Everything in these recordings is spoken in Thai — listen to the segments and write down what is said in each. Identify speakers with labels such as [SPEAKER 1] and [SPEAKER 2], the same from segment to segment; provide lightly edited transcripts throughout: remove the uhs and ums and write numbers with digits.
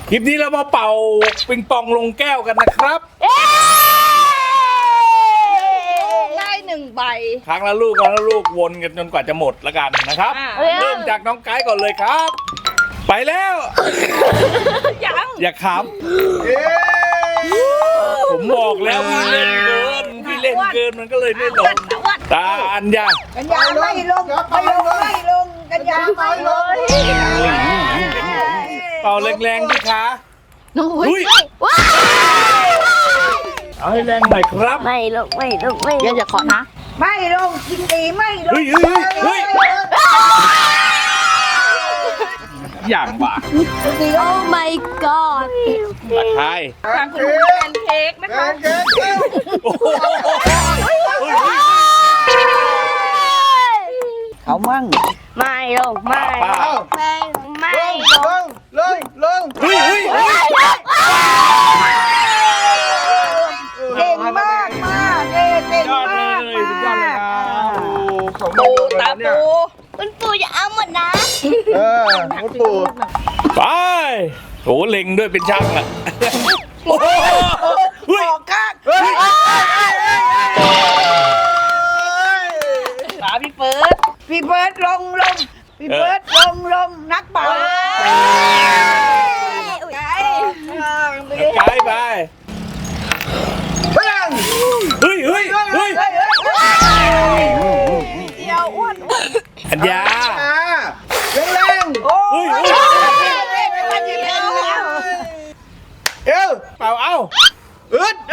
[SPEAKER 1] คลิปนี้เรามาเป่าปิงปองลงแก้วกันนะครับ
[SPEAKER 2] ได้1 ใบ
[SPEAKER 1] ครั้งละลูกวนกันจนกว่าจะหมดแล้วกันนะครับ เริ่มจากน้องไกด์ก่อนเลยครับ ไปแล้ว อย่าขำผมบอกแล้วพี่เล่นเกินมันก็เลยไม่ลงตาอัญญา
[SPEAKER 2] กัญญาไม่ลงกัญญาไม่ลง
[SPEAKER 1] เป่าแรงๆดิคะ อุ้ยเอาให้แรงหน่อยครับ
[SPEAKER 3] ไม่ลงอย่าขอนะ
[SPEAKER 2] ไม่ลงกินดีไม่ลง
[SPEAKER 1] เฮ้ยอย่างบ้า
[SPEAKER 3] โอ้ my god
[SPEAKER 1] ตะไคร้
[SPEAKER 2] ทางคุณแพนเค้กนะคะ
[SPEAKER 1] โอ้โห
[SPEAKER 2] เขามั่ง
[SPEAKER 3] ไม่ลงไม่ลง
[SPEAKER 4] ลง
[SPEAKER 1] เฮ้ย
[SPEAKER 2] เก่งมากเก่ง
[SPEAKER 1] ยอด
[SPEAKER 2] มาก
[SPEAKER 1] เลยสุดยอดเลยครับ
[SPEAKER 2] ปูตาปู
[SPEAKER 3] คุณปู่จะเอาหมดนะ
[SPEAKER 4] คุณปู่
[SPEAKER 1] ไปโอ้เล็งด้วยเป็นช่างอ่ะโอ้โหเฮ้ย
[SPEAKER 2] ออกข้างขาพี่เฟิร์สลงพี่เฟิร์สลงนักเป่า
[SPEAKER 1] ไกด์ไปเฮ้ย
[SPEAKER 2] เดียวอ้วน
[SPEAKER 1] อัญญา
[SPEAKER 4] แรง
[SPEAKER 2] โอ้
[SPEAKER 1] เฮ้ย
[SPEAKER 4] เอว
[SPEAKER 1] เป่าเอ้า
[SPEAKER 4] อึด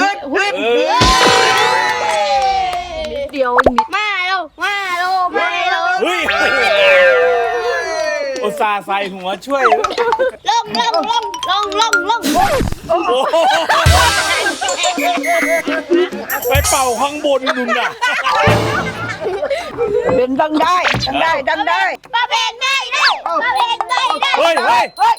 [SPEAKER 2] เดียวนิด
[SPEAKER 3] ไม่ลงไม่ลง
[SPEAKER 1] เฮ้ยอุตส่าห์ใส่หัวช่วย
[SPEAKER 3] ลง
[SPEAKER 1] โอ้โหไปเป่าข้างบนนุ่นน่ะ
[SPEAKER 2] เป็นดังได้
[SPEAKER 3] ป้าเพนได้แล้วป้าเพนได้แล้ว
[SPEAKER 1] เฮ้ย
[SPEAKER 2] ทำไม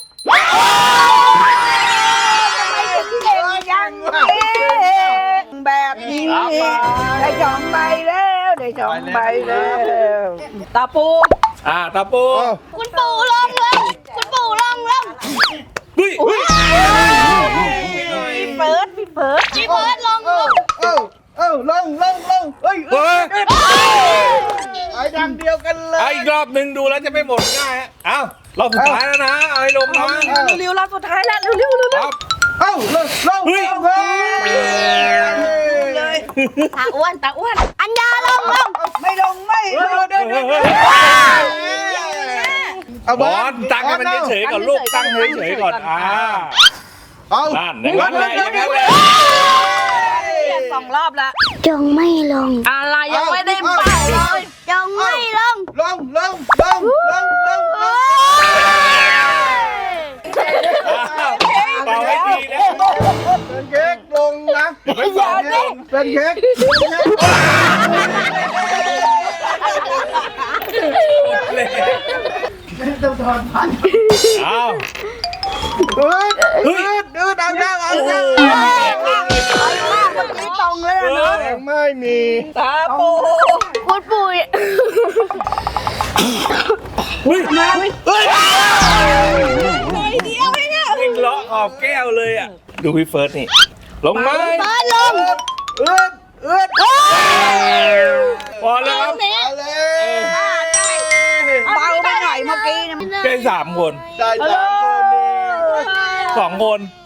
[SPEAKER 2] ถึงเก่งอย่างนี้แบบนี้ได้2 ใบแล้วตาปู
[SPEAKER 1] ตาปู
[SPEAKER 3] คุณปู่ลงคุณปู่ลง
[SPEAKER 1] เฮ้ย
[SPEAKER 2] พี่เฟิร์ส
[SPEAKER 3] พี่เบิร์ดลง
[SPEAKER 4] ลงเฮ้ย
[SPEAKER 1] เฮ้ย
[SPEAKER 4] ไอ้ดังเดียวกันเลย
[SPEAKER 1] เอาอีกรอบหนึ่งดูแล้วจะไม่หมดง่ายฮะเอ้ารอบสุดท้ายแล้วนะ เอาให้ลงนะ
[SPEAKER 2] เร็วๆรอบสุดท้ายแล้วเร็ว
[SPEAKER 1] ครับ
[SPEAKER 4] ลงเลย
[SPEAKER 3] ตาอ้วนอัญญาลง
[SPEAKER 2] ไม่ลง
[SPEAKER 1] บอลตั้งให้มันเฉยๆก่อนลูกตั้งเฉยๆก่อนนั่นอย่างนั้นเลย
[SPEAKER 2] 2 รอบละ
[SPEAKER 3] จงไม่ลง
[SPEAKER 2] อะไรยังไม่ได้เป่าเลย
[SPEAKER 3] จงไม่ลง
[SPEAKER 4] ลง
[SPEAKER 1] เป่าให้ดีนะ
[SPEAKER 4] เป็นเค้กลงนะเป็นเค้ก
[SPEAKER 1] เอา
[SPEAKER 4] อึดเอาเมื่อ
[SPEAKER 2] กี้ตรงเลยนะ
[SPEAKER 4] แรงไม่มี
[SPEAKER 2] ตาปู
[SPEAKER 3] คุณปู่
[SPEAKER 1] เฮ้ยวิ่งเลาะขอบแก้วเลยอ่ะดูพี่เฟิร์สนี่ลงไหม
[SPEAKER 3] เบิร์ดลง
[SPEAKER 4] อึด
[SPEAKER 1] พอแล้วครับ
[SPEAKER 4] เอาเลย
[SPEAKER 2] เบาไปหน่อยเมื่อกี้นะ
[SPEAKER 1] แค่3 คน
[SPEAKER 4] ได้3 คนเอง
[SPEAKER 1] 2 คน